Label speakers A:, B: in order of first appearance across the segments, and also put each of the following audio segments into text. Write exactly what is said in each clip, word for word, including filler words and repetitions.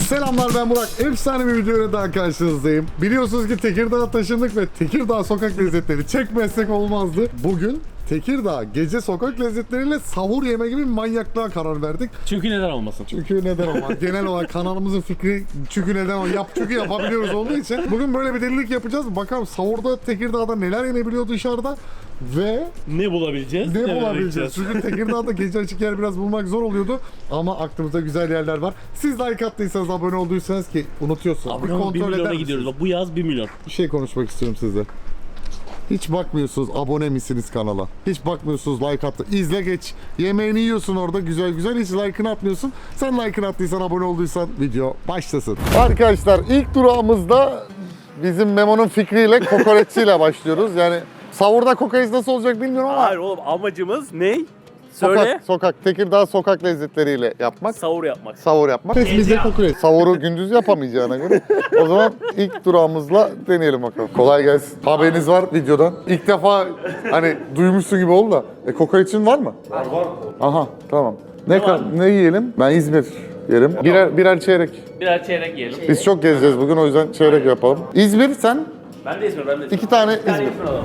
A: Selamlar, ben Burak. Efsane bir videoyla daha karşınızdayım. Biliyorsunuz ki Tekirdağ'a taşındık ve Tekirdağ sokak lezzetleri çekmezsek olmazdı. Bugün Tekirdağ gece sokak lezzetleriyle sahur yeme gibi bir manyaklığa karar verdik.
B: Çünkü neden olmasın?
A: Çünkü neden olmaz? Genel olarak kanalımızın fikri çünkü neden olmaz? Yap çünkü yapabiliyoruz olduğu için. Bugün böyle bir delilik yapacağız. Bakalım sahurda Tekirdağ'da neler yenebiliyor dışarıda ve
B: Ne bulabileceğiz?
A: ne,
B: ne
A: bulabileceğiz?
B: bulabileceğiz?
A: Çünkü Tekirdağ'da gece açık yer biraz bulmak zor oluyordu. Ama aklımızda güzel yerler var. Siz like attıysanız, abone olduysanız ki unutuyorsunuz.
B: Abone olun, bir milyona
A: misiniz?
B: gidiyoruz. Bak, bu yaz bir milyon.
A: Bir şey konuşmak istiyorum sizle. Hiç bakmıyorsunuz abone misiniz kanala. Hiç bakmıyorsunuz like attı. İzle geç. Yemeğini yiyorsun orada güzel güzel. Hiç like'ını atmıyorsun. Sen like'ını attıysan, abone olduysan video başlasın. Arkadaşlar ilk durağımızda bizim Memo'nun fikriyle kokoreççiyle başlıyoruz. Yani sahurda kokoreç nasıl olacak bilmiyorum ama.
B: Hayır oğlum, amacımız ne? Söyle.
A: Sokak, sokak, Tekirdağ sokak lezzetleriyle yapmak.
B: Sahur yapmak.
A: Sahur yapmak. Bizde kokoreç. Sahuru gündüz yapamayacağına göre. O zaman ilk durağımızla deneyelim bakalım. Kolay gelsin. Haberiniz var videodan. İlk defa hani duymuşsun gibi oldu da. E, kokoreçin var mı?
B: Var var.
A: Aha, tamam. Ne,
B: var?
A: ne, ne yiyelim? Ben İzmir yerim. Birer, birer çeyrek.
B: Birer çeyrek yiyelim.
A: Biz çok gezeceğiz bugün, o yüzden çeyrek yapalım. İzmir sen?
B: Ben de İzmir, ben de İzmir.
A: İki tane
B: Bir tane
A: İzmir.
B: İzmir alalım.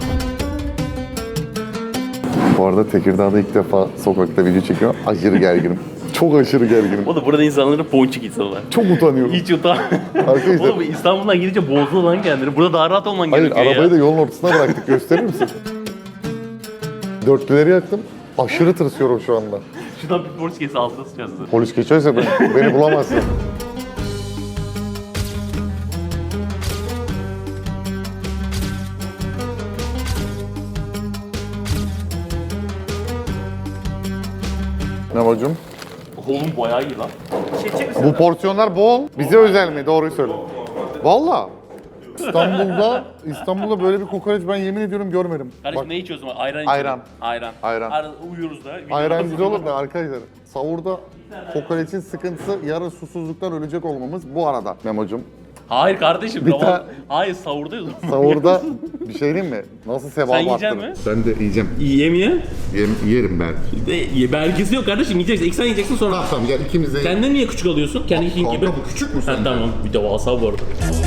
A: Bu arada Tekirdağ'da ilk defa sokakta video çekiyorum. Aşırı gerginim. Çok aşırı gerginim.
B: O da burada insanların ponçik insanlar.
A: Çok utanıyorum.
B: Hiç utan.
A: Arkadaşlar.
B: Oğlum İstanbul'dan gidince bozdu lan kendini. Burada daha rahat olman
A: Hayır,
B: gerekiyor
A: arabayı
B: ya.
A: da yolun ortasına bıraktık. Gösterir misin? Dörtlüleri yaktım. Aşırı tırsıyorum şu anda.
B: Şuradan bir polis kesi altına sıçarsın.
A: Polis geçerse ben, beni bulamazsın. Ne bacım?
B: Oğlum bayağı iyi lan. Çekecek misin?
A: Bu porsiyonlar bol. Bize özel mi? Doğruyu söyle. Valla. İstanbul'da İstanbul'da böyle bir kokoreç ben yemin ediyorum görmedim.
B: Kardeşim
A: Bak,
B: ne içiyorsun? Ayran
A: Ayran.
B: içiyorum. Ayran.
A: Ayran.
B: Arada uyuyoruz da.
A: ayran güzel olur da arkadaşlar. Sahurda kokoreçin sıkıntısı yarın susuzluktan ölecek olmamız bu arada Memo'cum.
B: Hayır kardeşim.
A: Bir
B: tamam.
A: ta-
B: Hayır sahurdayız.
A: Sahurda bir şey diyeyim mi? Nasıl sevap
B: Sen yiyecek
A: arttırır?
B: mi?
A: Ben de yiyeceğim.
B: Yemeye.
A: Yem, yerim ben.
B: De, belgesi yok kardeşim, yiyeceksin. İlk sen yiyeceksin sonra.
A: Tamam tamam, gel ikimiz de.
B: Kendine niye küçük alıyorsun? Kendi işin
A: Kanka,
B: gibi.
A: bu küçük mü
B: Ha,
A: sence?
B: tamam, bir de vasa bu arada.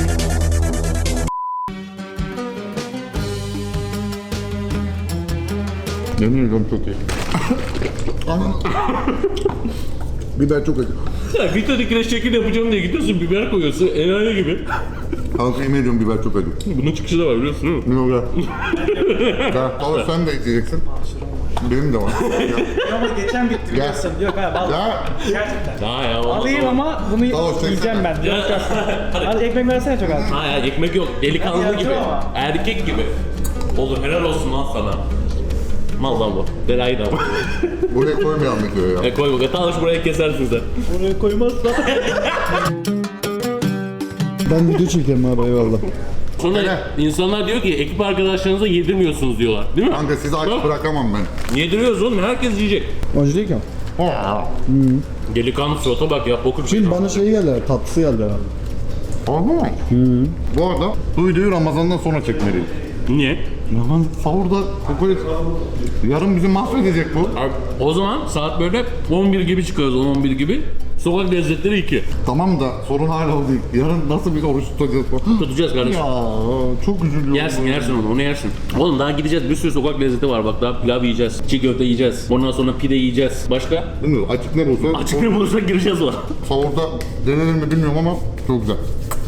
A: Yemin ediyorum çok iyi. Aman. Biber çok acı.
B: Ya bir tane kireç şekil yapacağım diye gidiyorsun, biber koyuyorsun, enayi gibi.
A: Kanka yemin ediyorum biber çok acı.
B: Bunun çıkışı da var biliyorsun değil mi?
A: Yok ya. Ya abi sen de yiyeceksin. Benim de var. Ya.
C: Ama geçen bitti biliyorsun. Yok ha vallahi.
A: ya.
C: Gerçekten.
B: Ha ya olmaz.
C: Alayım ama bunu
A: Tamam,
C: yiyeceğim ben. Yok yok. Hadi ekmek versene çok az.
B: Ha ya, ekmek yok, delikanlı
C: Hadi
B: gibi.
C: yapacağım ama.
B: Erkek gibi. Olur, helal olsun lan sana. Mal lan bu. Belayı da bu.
A: Buraya koymayalım videoyu ya.
B: E koy bakalım, talış buraya kesersin sen. Buraya koymazsan.
D: Ben video çekerim abi, eyvallah.
B: Sonra
A: Öyle.
B: insanlar diyor ki ekip arkadaşlarınıza yedirmiyorsunuz diyorlar. Değil mi?
A: Kanka sizi aç
B: Bak,
A: bırakamam ben.
B: yediriyoruz oğlum, herkes yiyecek.
D: Acı değil ki.
B: Delikanlı surata bak ya, boku bir şey.
D: Şimdi bana şey geldi, tatlısı geldi abi.
A: Aha. Bu arada bu videoyu Ramazan'dan sonra çekmeliyiz.
B: Niye?
A: Ramazan sahurda kokoreç yarın bizi mahvedecek bu.
B: Abi, o zaman saat böyle on bir gibi çıkıyoruz, on on bir gibi. Sokak lezzetleri iki.
A: Tamam da sorun hala o değil. Yarın nasıl bir oruç tutacağız?
B: Tutacağız kardeşim.
A: Ya çok üzülüyorum.
B: Yersin yersin onu, onu yersin. Oğlum daha gideceğiz, bir sürü sokak lezzeti var bak, daha pilav yiyeceğiz, çiğ köfte yiyeceğiz, ondan sonra pide yiyeceğiz. Başka?
A: Bilmiyorum, açık ne bulsa.
B: Açık ne bulursak gireceğiz o.
A: Sahurda denenir mi bilmiyorum ama çok güzel.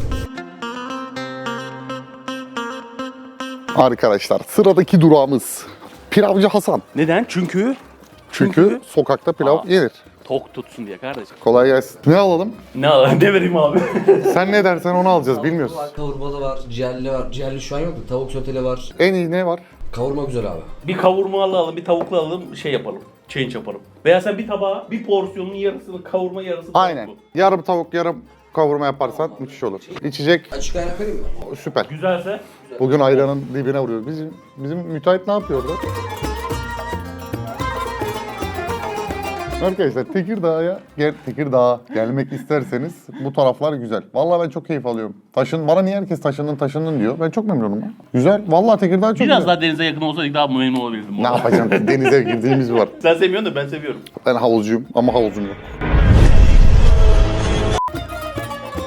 A: Arkadaşlar sıradaki durağımız Pilavcı Hasan.
B: Neden? Çünkü
A: Çünkü sokakta pilav
B: Aa.
A: yenir.
B: tok tutsun diye kardeşim.
A: Kolay gelsin. Ne alalım?
B: Ne ne vereyim abi?
A: Sen ne dersen onu alacağız, bilmiyoruz.
E: Var, kavurmalı var, ciğerli var. Ciğerli şu an yok da tavuk soteli var.
A: En iyi ne var?
E: Kavurma güzel abi.
B: Bir kavurma alalım, bir tavuklu alalım, şey yapalım. Change yapalım. Veya sen bir tabağa bir porsiyonun yarısını kavurma, yarısını
A: Aynen.
B: tavuklu.
A: Yarım tavuk, yarım kavurma yaparsan müthiş olur. İçecek
E: Açık kaynak vereyim mi?
A: süper.
B: Güzelse
A: Bugün ayranın dibine vuruyoruz. Bizim bizim müteahhit ne yapıyor orada? Arkadaşlar Tekirdağ'a gel Tekirdağ'a gelmek isterseniz bu taraflar güzel. Vallahi ben çok keyif alıyorum. Taşın bana niye herkes taşındın taşındın diyor. Ben çok memnunum. Ya. Güzel. Vallahi Tekirdağ çok
B: biraz
A: güzel.
B: daha denize yakın olsaydık daha memnun olabilirdim.
A: Ne yapacağım? Denize girdiğimiz var.
B: Sen sevmiyorsun da ben seviyorum.
A: Ben havuzcuyum ama havuzum yok.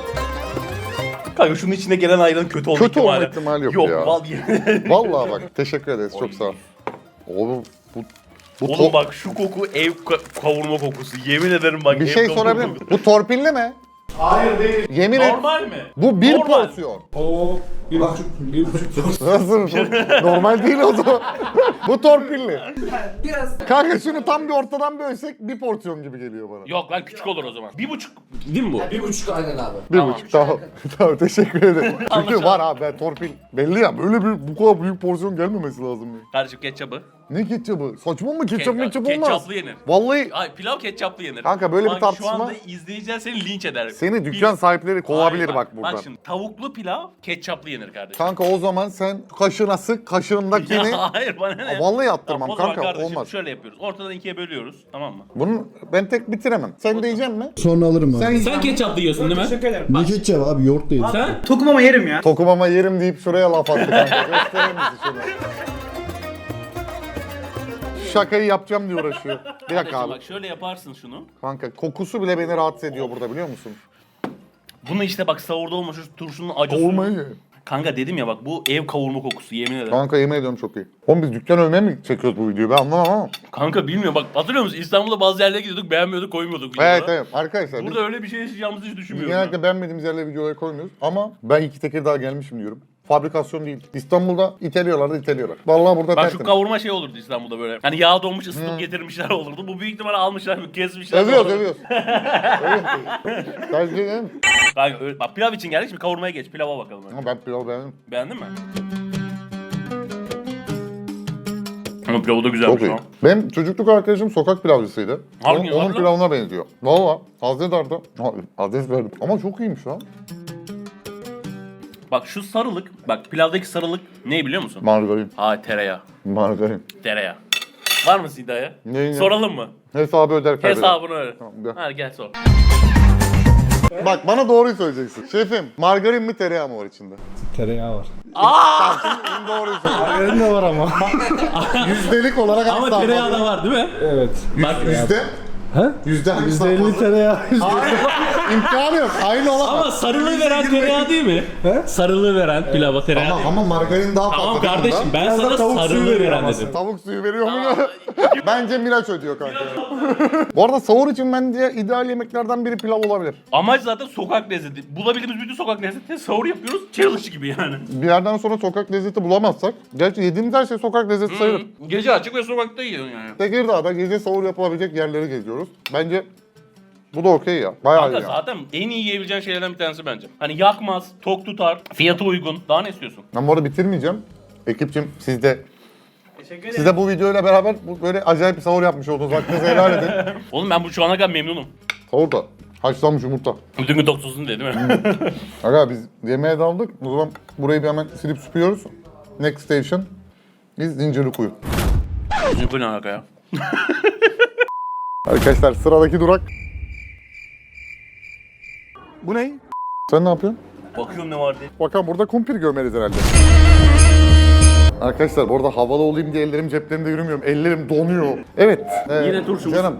B: Kanka şunun içine gelen ayranın kötü olma
A: Kötü olma
B: ihtimali.
A: ihtimali yok
B: Yok
A: ya.
B: val yemin.
A: Vallahi bak teşekkür ederiz çok sağ ol. Oğlum bu bu
B: Oğlum
A: to-
B: bak şu koku ev ka- kavurma kokusu. Yemin ederim bak.
A: bir
B: ev
A: şey
B: kavurma
A: sorabilir miyim?
B: kokusu.
A: Bu torpilli mi?
C: Hayır değil.
A: Yemin et.
B: Normal mi?
A: Bu bir
B: Normal.
A: porsiyon.
C: Oo. Bir buçuk. Bir buçuk.
A: Nasıl? Normal değil o zaman. Bu torpilli.
E: Biraz
A: Kanka şunu tam bir ortadan bölsek bir porsiyon gibi geliyor bana.
B: Yok lan küçük olur o zaman. Bir buçuk. Değil mi bu?
E: bir buçuk aynen abi.
A: Bir
B: Tamam.
A: buçuk tamam. Tamam teşekkür ederim. Çünkü
B: Anlaşıldı.
A: var abi ben torpil. Belli ya böyle bir bu kadar büyük porsiyon gelmemesi lazım. Ya.
B: Kardeşim ketçabı.
A: Ne ketçabı? Saçma mı? Ketçap
B: Ke-
A: metçap olmaz.
B: Ketçaplı yenir.
A: Vallahi
B: Ay pilav ketçaplı yenir.
A: Kanka böyle bir
B: Bak,
A: tartışma-
B: Şu anda izleyiciler seni linç eder.
A: seni dükkan sahipleri kovabilir
B: Hayır,
A: bak buradan.
B: Bak şimdi tavuklu pilav ketçaplı yenir kardeşim.
A: Kanka o zaman sen kaşığına sık kaşığındakini...
B: Ya hayır bana ne?
A: Vallahi attırmam
B: Tamam, o zaman
A: kanka,
B: kardeşim
A: olmaz.
B: şöyle yapıyoruz. Ortadan ikiye bölüyoruz. Tamam mı?
A: Bunu ben tek bitiremem. Sen de yiyecek mi?
D: Sonra alırım abi.
A: Sen,
B: Sen ketçaplı yiyorsun değil mi?
C: Teşekkür ederim.
D: Ne ketçap abi yoğurt da yedim.
B: Sen?
C: Tokum ama yerim ya.
A: Tokumama yerim deyip şuraya laf attı kanka. Gösterir misin şunu? Şakayı yapacağım diye uğraşıyor. Bir dakika
B: Kardeşim
A: abi.
B: bak şöyle yaparsın şunu.
A: Kanka kokusu bile beni rahatsız ediyor burada biliyor musun?
B: Bunu işte bak savurda olmuş şu turşunun acısı.
A: Kavurmayı ye.
B: Kanka dedim ya bak bu ev kavurma kokusu yemin ederim.
A: Kanka yemin ediyorum çok iyi. Oğlum biz dükkan övmeye mi çekiyoruz bu videoyu ben anlamam ama.
B: Kanka bilmiyorum bak hatırlıyor musun? İstanbul'da bazı yerlere gidiyorduk beğenmiyorduk koymuyorduk videolara.
A: Evet evet arkadaşlar biz
B: Burada öyle bir şey yaşayacağımızı hiç
A: biz
B: düşünmüyorum.
A: genellikle beğenmediğimiz yerlere videoları koymuyoruz. Ama ben iki Tekirdağ gelmişim diyorum. Fabrikasyon değil. İstanbul'da iteliyorlar da iteliyorlar. Vallahi burada
B: Bak şu
A: tertemiz.
B: kavurma şey olurdu İstanbul'da böyle. Hani yağ donmuş ısıtıp getirmişler olurdu. Bu büyük ihtimalle almışlar kesmişler.
A: Övüyoruz
B: sonra-
A: övüyoruz. Övüyoruz. Tercih ederim.
B: Kanka öyle- bak pilav için geldik şimdi kavurmaya geç. Pilava bakalım. hadi.
A: Ama ben pilavı beğendim.
B: Beğendin mi? Ama pilavı da
A: Çok
B: güzelmiş
A: iyi.
B: ha.
A: Benim çocukluk arkadaşım sokak pilavcısıydı.
B: Harbi
A: Onun,
B: mi?
A: onun
B: Harbi lan?
A: pilavına benziyor. Valla. Hazreti Arda. Ha, adres verdim. Ama çok iyiymiş lan.
B: Bak şu sarılık, bak pilavdaki sarılık ne biliyor musun?
A: Margarin.
B: Ha tereyağı.
A: Margarin.
B: Tereyağı. Var mısın iddiaya?
A: Neyin ya?
B: Soralım mı?
A: Hesabı öder kaybeder.
B: Hesabını öyle.
A: Tamam, gel.
B: Hadi gel sor.
A: Bak bana doğruyu söyleyeceksin. Şefim margarin mi tereyağı mı var içinde?
D: Tereyağı var.
A: Şimdi doğruyu söyle.
D: Margarin de var ama.
A: Yüzdelik olarak
B: Ama
A: asla
B: tereyağı da
A: fazla.
B: var değil mi?
D: Evet.
B: Bak
A: Yüzde?
D: Ha?
A: Yüzde hangisi
D: yüzde
A: daha
D: elli
A: fazla?
D: tereyağı.
A: İmkanı yok. Aynı olamaz.
B: ama sarılığı veren tereyağı değil mi?
D: He?
B: Sarılığı veren pilava tereyağı
A: Ama,
B: değil mi?
A: ama margarin daha fazla.
B: Tamam
A: değil mi
B: kardeşim
A: bundan?
B: ben
D: Biraz da
B: sana
D: tavuk suyu
B: sarılığı
D: veriyor
B: veren
D: ama
B: dedim.
A: Tavuk suyu veriyor mu ya? Bence Miraç ödüyor kanka. Bu arada sahur için bence ideal yemeklerden biri pilav olabilir.
B: Amaç zaten sokak lezzeti. Bulabildiğimiz bütün sokak lezzeti sahur yapıyoruz. Challenge gibi yani.
A: Bir yerden sonra sokak lezzeti bulamazsak, gerçi yediğimiz her şey sokak lezzeti sayılır.
B: Gece açık ve sokakta yiyorsun yani.
A: Tekirdağ'da gece sahur yapılabilecek yerleri geziyoruz. Bence bu da okey ya. Bayağı
B: Kanka
A: iyi ya.
B: zaten en iyi yiyebileceğin şeylerden bir tanesi bence. Hani yakmaz, tok tutar, fiyatı uygun. Daha ne istiyorsun?
A: Ben bu arada bitirmeyeceğim. Ekipçim siz de
C: Teşekkür ederim.
A: siz de bu videoyla beraber bu böyle acayip bir sahur yapmış oldunuz. Hakkınızı helal edin.
B: Oğlum ben bu şu ana kadar memnunum.
A: Sahur da haşlanmış yumurta.
B: Bütün gün toksusun diye değil mi?
A: Aga biz yemeğe daldık. O zaman burayı bir hemen silip süpüyoruz. Next station is Zincirlikuyu.
B: Bu ne alaka ya?
A: Arkadaşlar sıradaki durak. Bu ne? Sen ne yapıyorsun?
B: Bakıyorum ne var diye.
A: Bakalım burada kumpir gömeriz herhalde. Arkadaşlar bu arada havalı olayım diye ellerim ceplerimde yürümüyorum. Ellerim donuyor. Evet. e,
B: Yine turşumuz.
A: Canım.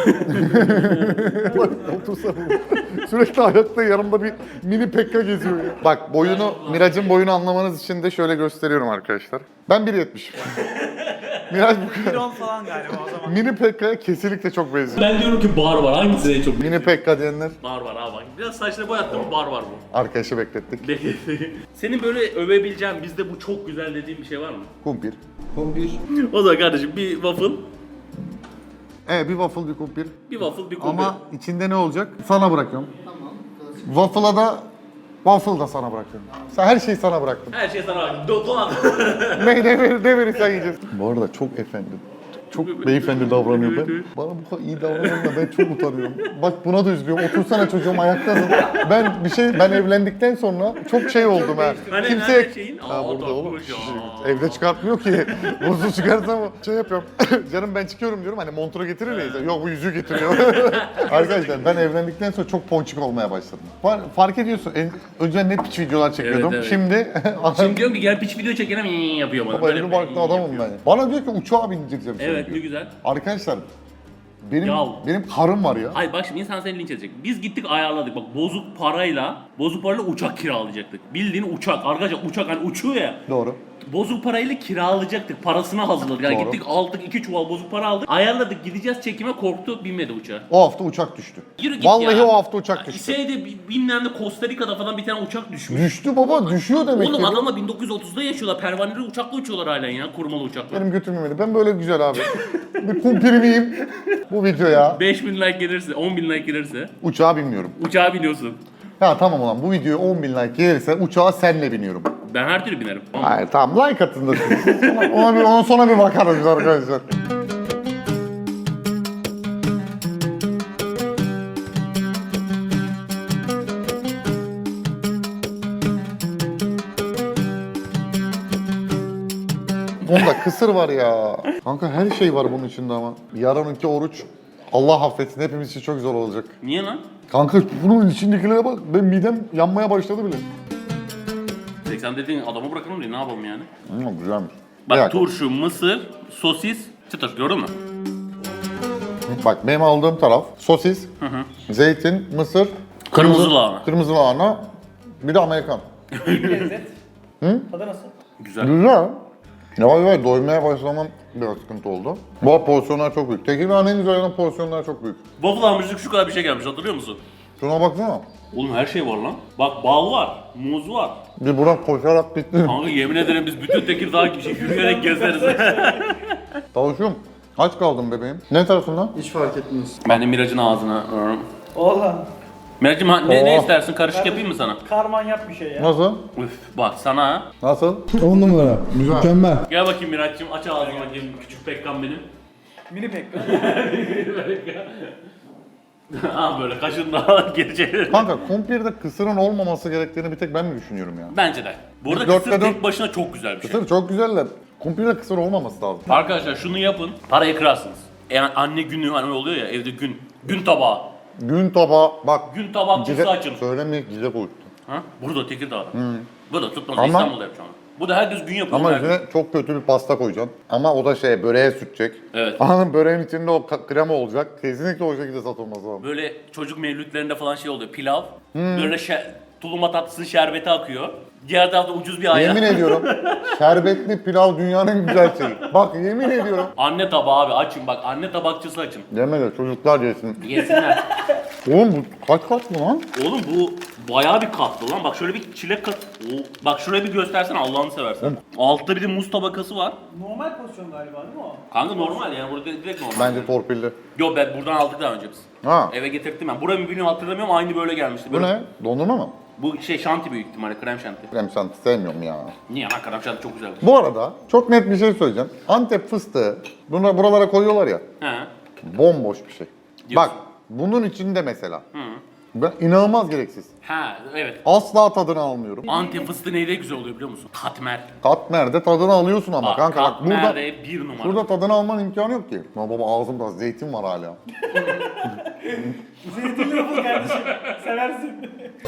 A: Bak otursana. Sürekli ayakta yanımda bir mini pekka geziyor ya. Bak boyunu, Miraç'ın boyunu anlamanız için de şöyle gösteriyorum arkadaşlar. Ben bir yetmişim. Miraç bu kadar.
C: on falan galiba o zaman.
A: Mini pekka'ya kesinlikle çok benziyor.
B: Ben diyorum ki bar var. Hangisi en çok?
A: Mini pekka diyenler
B: Bar var abi bak. Biraz saçları boyattım bar var bu.
A: arkadaşı beklettik.
B: Senin böyle övebileceğin bizde bu çok güzel dediğin bir şey var mı?
A: Kumpir.
D: Kumpir.
B: O zaman kardeşim bir waffle,
A: Evet bir waffle bir kumpir.
B: bir waffle bir kumpir.
A: Ama içinde ne olacak? Sana bırakıyorum. Tamam. Waffle'a da waffle da sana bırakıyorum. Sen her şeyi sana bıraktım.
B: Her şey sana bak. Do dolan.
A: ne, ne, verir, ne verirsen yiyeceğiz. Bu arada çok efendim. Çok beyefendi davranıyor ben. Bana bu kadar iyi davranıyor da ben çok utanıyorum. Bak buna da üzülüyorum. Otursana çocuğum ayaktasın. Ben bir şey ben evlendikten sonra çok şey oldum ha.
B: Hani
A: Kimseye...
B: nerede şeyin?
A: Ha
B: Aa,
A: burada oğlum.
B: takmış ya.
A: Evde çıkartmıyor ki. Buzlu çıkarsam şey yapıyorum. Canım ben çıkıyorum diyorum. Hani montunu getirir ya. Yok bu yüzüğü getiriyor. Arkadaşlar ben evlendikten sonra çok ponçik olmaya başladım. Far- fark ediyorsun. En, önceden ne piç videolar çekiyordum.
B: Evet, evet.
A: Şimdi
B: Şimdi diyorum ki gel piç video çekelim iyi yapıyor bana.
A: Baba elini barklı adamım
B: yapıyor.
A: ben. Bana diyor ki uçağa bindireceğim seni
B: Evet
A: diyor.
B: ne güzel.
A: Arkadaşlar benim
B: Ya.
A: benim karım var ya.
B: Hayır bak şimdi insan seni linç edecek. Biz gittik ayarladık bak bozuk parayla Bozuk parayla uçak kiralayacaktık. Bildiğin uçak. Arkadaşlar uçak hani uçuyor ya.
A: Doğru.
B: Bozuk parayla kiralayacaktık. Parasını hazırladık. Yani
A: Doğru.
B: gittik aldık iki çuval bozuk para aldık. Ayarladık gideceğiz çekime korktu binmedi uçağa.
A: O hafta uçak düştü.
B: Yürü git
A: Vallahi
B: ya.
A: o hafta uçak düştü.
B: Şeyde bilmem ne Costa Rica'da falan bir tane uçak düşmüş.
A: Düştü baba, düşüyor demek
B: Oğlum
A: ki.
B: adamlar bin dokuz yüz otuzda yaşıyorlar. Pervaneli uçakla uçuyorlar halen ya. Kurmalı uçakla.
A: Benim götüm yemedi. Ben böyle güzel abi. Bir kumpirmiyim bu videoya.
B: beş bin like gelirse, on bin like gelirse
A: Uçağa binmiyorum.
B: uçağa biniyorsun.
A: Ya tamam ulan bu videoya on bin like gelirse uçağa senle biniyorum.
B: Ben her türlü binerim.
A: Hayır tamam like atın da siz. ona, ona, bir, ona sonra bir bakarız biz arkadaşlar. Bunda kısır var ya. Kanka her şey var bunun içinde ama. Yarınki oruç Allah affetsin hepimiz için çok zor olacak.
B: Niye lan?
A: Kanka bunun içindekilere bak. Benim midem yanmaya başladı bile.
B: seksen dediğin adamı bırakalım diye ne yapalım yani?
A: Hmm, güzelmiş.
B: Bak
A: Bir dakika.
B: turşu, mısır, sosis, çıtır gördün mü?
A: Bak benim aldığım taraf sosis, zeytin, mısır,
B: Kırmızı lahana.
A: kırmızı lahana, bir de Amerikan.
C: Lezzet. Hı? Tadı nasıl?
B: Güzel.
A: Güzel. Yavaş yavaş doymaya başlamam biraz sıkıntı oldu. Bu porsiyonlar çok büyük. Tekirdağ'ın en güzel yanı porsiyonlar çok büyük.
B: Waffle hamurcuk şu kadar bir şey gelmiş hatırlıyor musun?
A: Şuna baksana.
B: Oğlum her şey var lan. Bak bal var, muz var.
A: Bir Burak koşarak bitti.
B: Kanka yemin ederim biz bütün Tekirdağ gibi şey yürüyerek gezeriz.
A: Tavuşum, aç kaldım bebeğim. Ne tarafından?
D: Hiç fark etmez.
B: Ben de Miraç'ın ağzına.
C: Oğlum.
B: Miraç'ım ha- ne, ne
A: Oh.
B: istersin? Karışık yapayım mı sana?
C: Karman yap bir şey ya.
A: Nasıl?
B: Üf, bak sana.
A: Nasıl?
D: on numara.
A: Güzel.
D: Mükemmel.
B: Gel bakayım Miraç'cığım aç ağzını bakayım küçük Pekkan benim.
C: Mini pek.
B: Aa böyle kaşın daha geri çevir.
A: Kanka kumpirde kısırın olmaması gerektiğini bir tek ben mi düşünüyorum ya?
B: Bence de. Burada
A: Dörtte
B: kısır
A: dört-
B: tek başına çok güzel bir şey.
A: Kısır çok güzeller. Kumpirde kısır olmaması lazım.
B: Arkadaşlar şunu yapın, parayı kırarsınız. Yani anne günü hani oluyor ya evde gün, gün tabağı.
A: Gün tabağı, bak.
B: Gün tabakçısı
A: Gide,
B: açın.
A: söylemeyek gide boyuttu.
B: Ha? Burada Tekirdağ'da. Burada tutmaz
A: Ama-
B: İstanbul'da yapacağım. Bu da herkes gün yapıyor.
A: Ama
B: herkes.
A: içine çok kötü bir pasta koyacaksın. Ama o da şey böreğe sürtecek.
B: Evet.
A: Anladın böreğin içinde o ka- krema olacak. Kesinlikle o şekilde satılması lazım.
B: Böyle çocuk mevlütlerinde falan şey oluyor. Pilav. Böyle şer, tulumba tatlısının şerbeti akıyor. Diğer tarafta ucuz bir ayran.
A: Yemin ediyorum şerbetli pilav dünyanın en güzel şeyi. Bak yemin ediyorum.
B: Anne tabağı abi açın bak. Anne tabakçısı açın.
A: Yeme de çocuklar yesin.
B: Yesinler.
A: Oğlum bu kaç kaç mı lan?
B: Oğlum bu bayağı bir katlı lan. Bak şöyle bir çilek kat. Oo, bak şuraya bir göstersene Allah'ını seversen. Altta bir de muz tabakası var.
C: Normal pozisyon galiba değil mi o?
B: Kanka normal yani burada direkt normal.
A: Bence torpilli.
B: Yo ben buradan aldık daha önce biz.
A: Ha.
B: Eve getirttim ben. Buranın birini hatırlamıyorum aynı böyle gelmişti.
A: Bu
B: Böyle-
A: ne? Dondurma mı?
B: Bu şey şanti büyük ihtimalle krem şanti.
A: Krem şanti sevmiyorum ya.
B: Niye lan krem şanti çok güzel.
A: Bu arada çok net bir şey söyleyeceğim. Antep fıstığı buna, buralara koyuyorlar ya.
B: He.
A: Bomboş bir şey.
B: Diyorsun.
A: Bak bunun içinde mesela. Ben inanılmaz gereksiz.
B: Ha evet.
A: Asla tadını almıyorum.
B: Antep fıstığı neyde güzel oluyor biliyor musun? Katmer.
A: Katmer'de tadını alıyorsun ama
B: Bak,
A: kanka bak burada
B: Katmer'de bir numara.
A: burada tadını alman imkanı yok ki. Ya baba ağzımda zeytin var hala.
C: Zeytinli yapıl kardeşim. Seversin.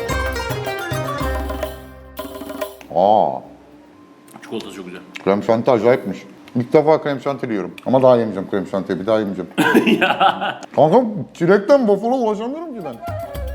A: Aa,
B: Çikolatası çok güzel.
A: krem şanti acayipmiş. İlk defa krem şanti yiyorum. Ama daha yemeyeceğim krem şantiyi, bir daha yemeyeceğim. Kanka çilekten waffle'a ulaşamıyorum ki ben.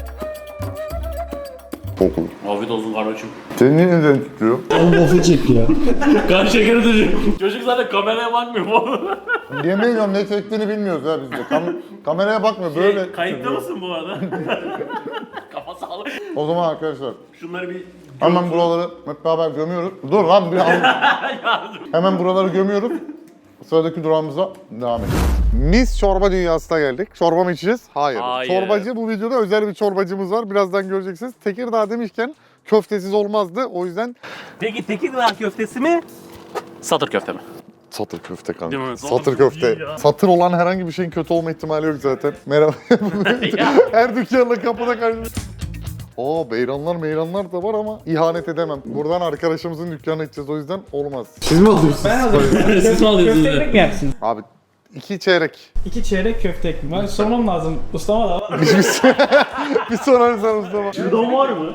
A: Çok iyi.
B: Afiyet olsun kardeşim.
A: Senin niye neden tutuyor?
D: Oğlum waffle çek ya.
B: Kan şekeri düşüyor. Çocuk zaten kameraya bakmıyor mu?
A: Yemin ediyorum ne çektiğini bilmiyoruz ya biz de. Kam- kameraya bakmıyor böyle.
B: Şey, kayıtta
A: tutuyor.
B: mısın bu arada? Kafa sağlık.
A: O zaman arkadaşlar
B: Şunları bir...
A: hemen buraları hep beraber gömüyoruz. Dur lan bir an. Hemen buraları gömüyoruz. Sıradaki durağımıza devam edelim. Mis çorba dünyasına geldik. Çorba mı içeceğiz? Hayır.
B: Hayır.
A: Çorbacı bu videoda özel bir çorbacımız var. Birazdan göreceksiniz. Tekirdağ demişken köftesiz olmazdı. O yüzden
B: Peki Tekirdağ köftesi mi? Satır köfte mi?
A: satır köfte kanka.
B: Değil mi?
A: Satır köfte.
B: Ya.
A: Satır olan herhangi bir şeyin kötü olma ihtimali yok zaten. Merhaba.
B: Ya.
A: Her dükkanla kapıda karşı. Oo beyranlar meyranlar da var ama ihanet edemem. Buradan arkadaşımızın dükkanına gideceğiz o yüzden olmaz.
D: Siz mi alıyorsunuz?
C: Ben hazırım.
B: Siz mi alıyorsunuz?
C: Köfte ekmek mi yersin?
A: Abi iki çeyrek.
C: İki çeyrek köfte ekmek. Ben sormam lazım. Ustama da var.
A: Bir sorarız sen Mustafa.
B: Şurada var mı?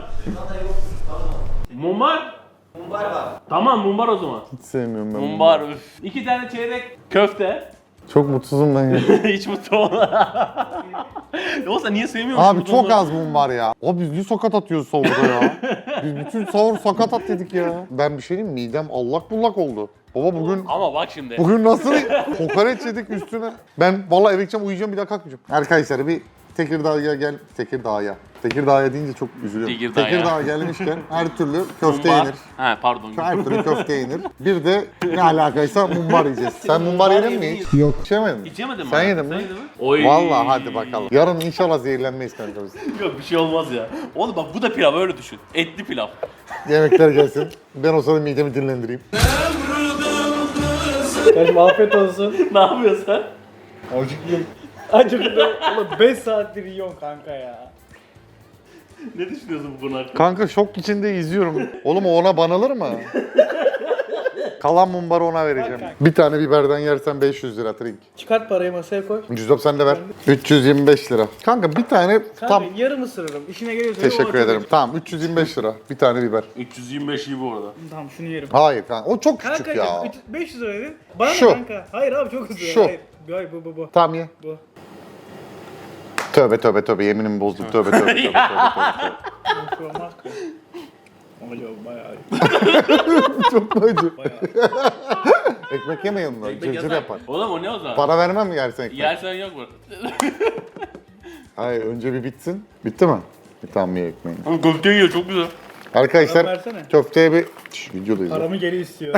B: Mumbar? Mumbar var. Tamam mumbar o zaman.
A: Hiç sevmiyorum ben. bunu.
B: Mumbar üf. İki tane çeyrek köfte.
A: Çok mutsuzum ben ya.
B: Hiç mutlu olma. Yoksa niye sevmiyorsun?
A: Abi çok az mum var ya. Abi biz niye sakat atıyoruz sahurda ya? Biz bütün sahur sakat at dedik ya. Ben bir şey diyeyim mi? Midem allak bullak oldu. Baba bugün
B: Ama bak şimdi.
A: bugün nasıl kokoreç yedik üstüne. Ben vallahi eve gideceğim, uyuyacağım, bir daha kalkmayacağım. Arkadaşlar bir Tekirdağ'a gel. Tekirdağ'a. Tekirdağ'a deyince çok üzülüyorum.
B: Tekirdağ'a.
A: Tekirdağ'a gelmişken her türlü köfte
B: Mumbar.
A: yenir.
B: He pardon.
A: Her türlü köfte yenir. Bir de ne alakaysa mumbar yiyeceğiz. Sen mumbar yedin mi hiç?
D: Yok.
A: Hiç yemedin mi?
B: Hiç yemedin mi?
A: Sen yedin mi?
B: Oy.
A: Vallahi hadi bakalım. Yarın inşallah zehirlenmeyiz kanka biz.
B: Yok bir şey olmaz ya. Oğlum bak bu da pilav öyle düşün. Etli pilav.
A: Yemekler gelsin. Ben o sırada midemi dinlendireyim.
C: Kardeşim afiyet olsun.
B: Ne yapıyorsun sen?
D: Acıklı.
C: Acıktı. Oğlum beş saattir yiyorsun kanka ya.
B: Ne düşünüyorsun bu konu hakkında?
A: Kanka şok içinde izliyorum. Oğlum o ona banalır mı? Kalan mumbarı ona vereceğim. Bir tane biberden yersen beş yüz lira trink.
C: Çıkart parayı masaya koy.
A: Cüzdap sen de ver. üç yüz yirmi beş lira. Kanka bir tane
C: Kanka
A: tam
C: yarım ısırırım. İşine geliyorsa
A: teşekkür ederim. Tamam üç yüz yirmi beş lira. Bir tane biber.
B: üç yüz yirmi beş iyi bu arada.
C: Tamam şunu yerim.
A: Hayır kanka o çok küçük
C: Kanka
A: ya.
C: üç- beş yüz lira dedin. Bana
A: Şu.
C: ne kanka? Hayır abi çok hızlı.
A: Şu.
C: Hayır. Hayır bu bu bu.
A: Tamam ye.
C: Bu.
A: Tövbe tövbe tövbe yeminimi bozdum. Tövbe tövbe tövbe tövbe. tövbe.
C: Bu şu olmaz ki. Acaba bayağı iyi.
A: Çok acı.
C: Bayağı.
A: Ekmek yeme yanında.
B: Ekmek
A: Cırcır
B: yasak.
A: yapar.
B: Oğlum o ne o zaman?
A: Para vermem mi yersen ekmek?
B: Yersen yok mu?
A: Hayır önce bir bitsin. Bitti mi? Bir tamam ye ekmeğini.
B: Oğlum köfte yiyor çok güzel.
A: Arkadaşlar
C: Paramı versene.
A: köfteye bir... Şş, videodayız. ya.
C: Paramı geri istiyor.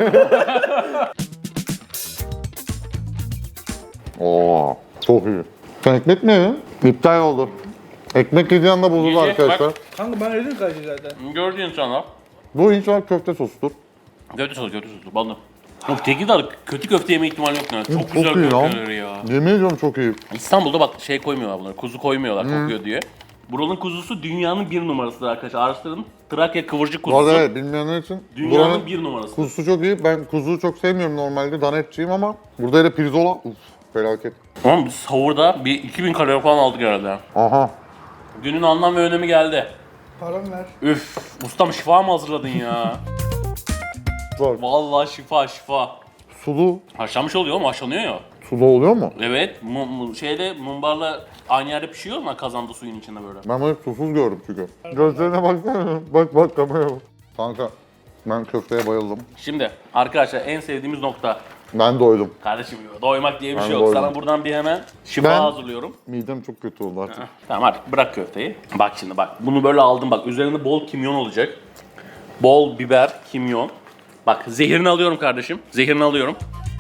A: Oo, çok iyi. Sen ekmek mi yedin? İptal oldu. Ekmek yediği anda bozuldu
B: Yiyecek,
A: arkadaşlar.
B: bak.
C: Kanka ben ödedim kaçı zaten.
B: Gördüğün sana.
A: Bu inşallah köfte sosudur.
B: Köfte sos, köfte sos. Ballı. Yok Tekirdağ kötü köfte yeme ihtimali yok yani. Çok
A: Çok
B: güzel
A: iyi lan.
B: köfteleri ya.
A: Yemin ediyorum çok iyi.
B: İstanbul'da bak şey koymuyorlar bunları. Kuzu koymuyorlar kokuyor diye. Buranın kuzusu dünyanın bir numarasıdır arkadaşlar. Araştırın. Trakya kıvırcık
A: Bu arada
B: kuzusu.
A: evet bilmeyenler için
B: Dünyanın
A: buranın
B: bir numarası.
A: kuzusu çok iyi. Ben kuzuyu çok sevmiyorum normalde. Dana etçiyim ama burada hele pirzola uf felaket.
B: Tamam biz sahurda bir iki bin kalori falan aldık herhalde.
A: Aha.
B: Günün anlam ve önemi geldi.
C: Paramı ver.
B: Üf, ustam şifa mı hazırladın ya?
A: Var.
B: Vallahi şifa şifa.
A: Sulu.
B: Haşlanmış oluyor mu? Haşlanıyor ya.
A: Sulu oluyor mu?
B: Evet, mu, mu- şeyde mumbarla aynı yerde pişiyor ama kazanda suyun içinde böyle.
A: Ben böyle susuz gördüm çünkü. Gözlerine baksana. Bak bak kameraya bak. Kanka ben köfteye bayıldım.
B: Şimdi arkadaşlar en sevdiğimiz nokta.
A: Ben doydum.
B: Kardeşim doymak diye bir
A: Ben
B: şey yok.
A: doydum.
B: Sana buradan bir hemen şifa
A: Ben-
B: hazırlıyorum.
A: Midem çok kötü oldu artık.
B: Tamam artık bırak köfteyi. Bak şimdi bak bunu böyle aldım bak üzerinde bol kimyon olacak. Bol biber, kimyon. Bak zehirini alıyorum kardeşim. Zehirini alıyorum.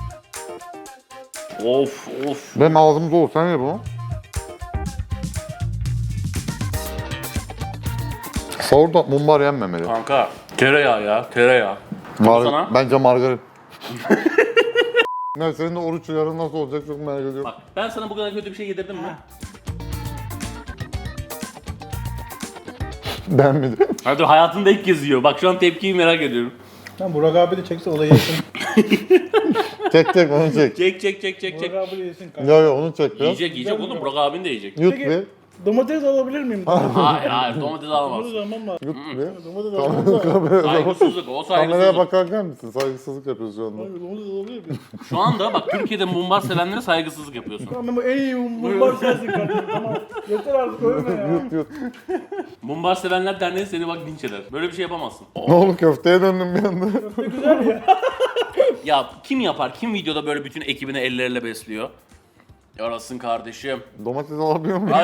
B: Of of.
A: Benim ağzım dolu. Sen ye bunu. Sahurda mumbar yenmemeli.
B: Kanka tereyağı ya tereyağı.
A: Mar-
B: sana.
A: Bence margarin. Ne senin de oruç yarın nasıl olacak çok merak ediyorum.
B: Bak ben sana bu kadar kötü bir şey yedirdim mi?
A: Beğenmedim.
B: Hadi hayatında ilk kez yiyor. Bak şu an tepkiyi merak ediyorum.
C: Lan Burak abi de çekse o da yesin.
A: Çek çek onu çek.
B: Çek çek çek çek çek.
C: Burak abi de yesin kanka.
A: Yo yo onu çek biraz.
B: Yiyecek yiyecek oğlum Burak abin de yiyecek.
A: Yut
C: Peki.
A: bir.
C: Domates alabilir miyim?
B: Hayır hayır domates alamaz.
C: Domates almam lazım.
A: Yut bir.
C: Domates almam lazım.
A: Kameraya,
B: Saygısızlık o
A: kameraya
B: saygısızlık.
A: bakarken misin? Saygısızlık yapıyoruz şu anda.
C: Domates alabilir miyim?
B: Şu anda bak Türkiye'de mumbar sevenlere saygısızlık yapıyorsun.
C: Tamam bu en iyi mumbar sensin kardeşim tamam. Yeter artık ölme ya.
A: Yut yut.
B: Mumbar sevenler derneği seni bak linç eder. Böyle bir şey yapamazsın.
A: Ne oldu köfteye döndüm bir anda.
C: Ne güzel ya.
B: Ya kim yapar? Kim videoda böyle bütün ekibini elleriyle besliyor? Yarasın kardeşim.
A: Domates alabiliyor muyum?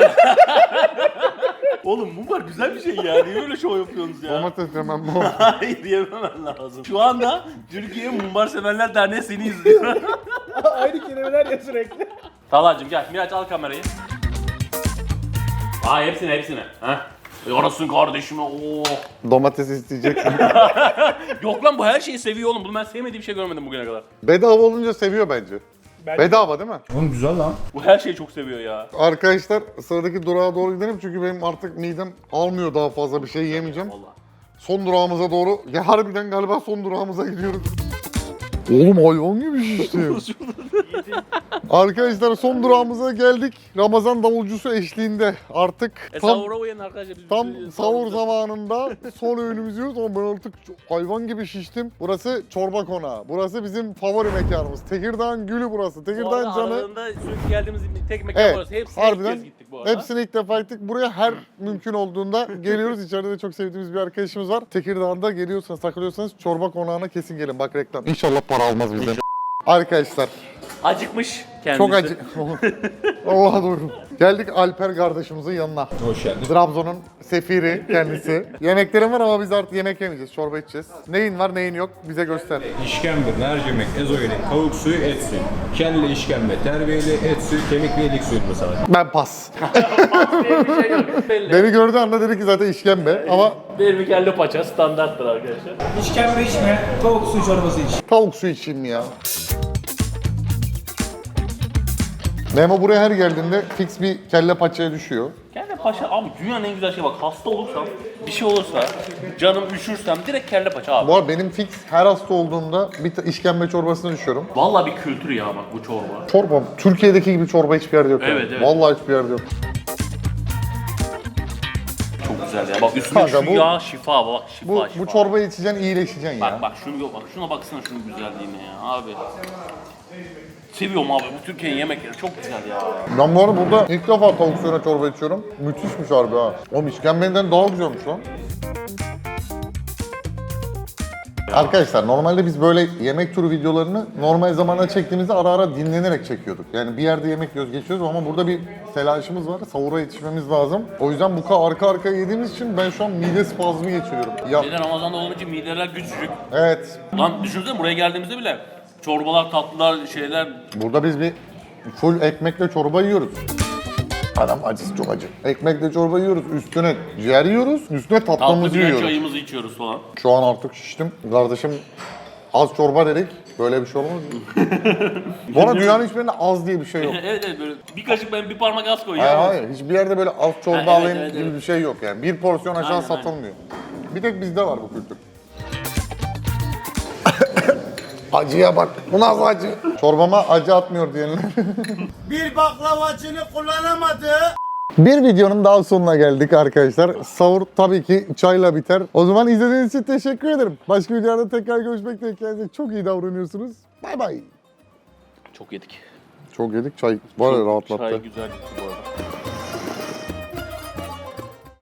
B: Oğlum mumbar güzel bir şey ya. Niye böyle şov yapıyorsunuz ya?
A: Domates yemem mi?
B: Hayır diyememen lazım. Şu anda Türkiye Mumbar Severler Derneği seni izliyor.
C: Aynı kelimeler ya sürekli.
B: Talha'cığım gel Miraç al kamerayı. Aa hepsini hepsini. Heh. Yarasın kardeşime. Oo.
A: Domates isteyeceksin.
B: Yok lan bu her şeyi seviyor oğlum. Bunu ben sevmediğim bir şey görmedim bugüne kadar.
A: Bedava olunca seviyor bence.
C: Bence-
A: Bedava değil mi?
D: Oğlum güzel lan.
B: Bu her şeyi çok seviyor ya.
A: Arkadaşlar sıradaki durağa doğru gidelim çünkü benim artık midem almıyor daha fazla bir şey yemeyeceğim.
B: Vallahi.
A: Son durağımıza doğru, ya harbiden galiba son durağımıza gidiyoruz. Oğlum hayvan gibi şiştim. Arkadaşlar son durağımıza geldik. Ramazan davulcusu eşliğinde artık
B: E,
A: tam
B: sahura uyanın arkadaşlar. Biz
A: tam
B: biz-
A: sahur zamanında son öğünümüzü yiyoruz ama ben artık çok- hayvan gibi şiştim. Burası çorba konağı. Burası bizim favori mekanımız. Tekirdağ'ın gülü burası.
B: Bu
A: Tekirdağ'ın
B: arada
A: canı.
B: aralığında sürekli geldiğimiz tek mekan
A: Evet,
B: burası. Hepsine ilk
A: harbiden
B: kez gittik bu arada.
A: Hepsini ilk defa gittik. Buraya her mümkün olduğunda geliyoruz. İçeride de çok sevdiğimiz bir arkadaşımız var. Tekirdağ'da geliyorsanız, takılıyorsanız çorba konağına kesin gelin. Bak reklam. İnşallah para almaz bizden. Arkadaşlar
B: Acıkmış kendisi.
A: çok acı. Allah'a doğru. Geldik Alper kardeşimizin yanına.
C: Hoş geldin.
A: Trabzon'un sefiri kendisi. Yemeklerim var ama biz artık yemek yemeyeceğiz. Çorba içeceğiz. Neyin var neyin yok bize göster.
C: İşkembe, mercimek, ezogelin, tavuk suyu, et suyu. Kelle işkembe, terbiyeli, et suyu, kemik ve ilik suyu mesela.
A: Ben pas.
B: diye bir şey yok. Belli.
A: Beni gördüğü anda dedi ki zaten işkembe ama
B: Benim kelle paça standarttır arkadaşlar.
D: İşkembe içme, tavuk suyu çorbası iç.
A: tavuk su içeyim ya. Memo buraya her geldiğinde fix bir kelle paçaya düşüyor.
B: Kelle paça abi dünyanın en güzel şeyi bak hasta olursam bir şey olursa canım üşürsem direkt kelle paça abi.
A: Bu arada benim fix her hasta olduğumda bir ta- işkembe çorbasına düşüyorum.
B: Vallahi bir kültür ya bak bu çorba.
A: Çorba, Türkiye'deki gibi çorba hiçbir yerde yok.
B: Evet,
A: yani.
B: evet.
A: Vallahi hiçbir yerde yok.
B: Çok güzel ya. Bak üstüne
A: Kanka
B: şu
A: bu-
B: yağ şifa bak şifa
A: Bu,
B: şifa.
A: bu çorbayı içeceksin, iyileşeceksin ya.
B: Bak bak şunu yok bak şuna baksana şunun güzelliğine ya abi. Seviyorum abi bu Türkiye'nin yemekleri çok güzel ya.
A: Ben bu arada burada ilk defa tavuk suyuna çorba içiyorum. Müthişmiş harbi ha. Oğlum işkembenden daha güzelmiş lan. Arkadaşlar normalde biz böyle yemek turu videolarını normal zamanda çektiğimizde ara ara dinlenerek çekiyorduk. Yani bir yerde yemek yiyoruz geçiyoruz ama burada bir telaşımız var. Sahura yetişmemiz lazım. O yüzden bu kadar arka arkaya yediğimiz için ben şu an mide spazmı geçiriyorum. Ya,
B: Bir de Ramazan'da olunca mideler küçücük.
A: evet.
B: Lan düşünsene buraya geldiğimizde bile çorbalar, tatlılar, şeyler.
A: Burada biz bir full ekmekle çorba yiyoruz. Adam acısı çok acı. Ekmekle çorba yiyoruz, üstüne ciğer yiyoruz, üstüne
B: Tatlı
A: tatlımızı
B: bir
A: yiyoruz.
B: çayımızı içiyoruz falan.
A: Şu an artık şiştim. Kardeşim az çorba dedik. Böyle bir şey olmaz mı? Bu arada dünyanın hiçbirinde az diye bir şey yok.
B: evet evet böyle bir kaşık ben bir parmak az
A: Hayır
B: koyuyorum.
A: hayır. Hiçbir yerde böyle az çorba
B: Ha, evet,
A: alayım
B: evet,
A: gibi
B: evet.
A: bir şey yok yani. Bir porsiyon aşağı
B: Aynen,
A: satılmıyor. Bir tek bizde var bu kültür. Acıya bak. Bu nasıl acı? Çorbama acı atmıyor diyenler.
F: Bir baklavacını kullanamadı.
A: Bir videonun daha sonuna geldik arkadaşlar. Sahur tabii ki çayla biter. O zaman izlediğiniz için teşekkür ederim. Başka videolarda tekrar görüşmek dileğiyle. Kendinize çok iyi davranıyorsunuz. Bay bay.
B: Çok yedik.
A: Çok yedik. Çay var ya rahatlattı.
B: Çay güzel gitti bu arada.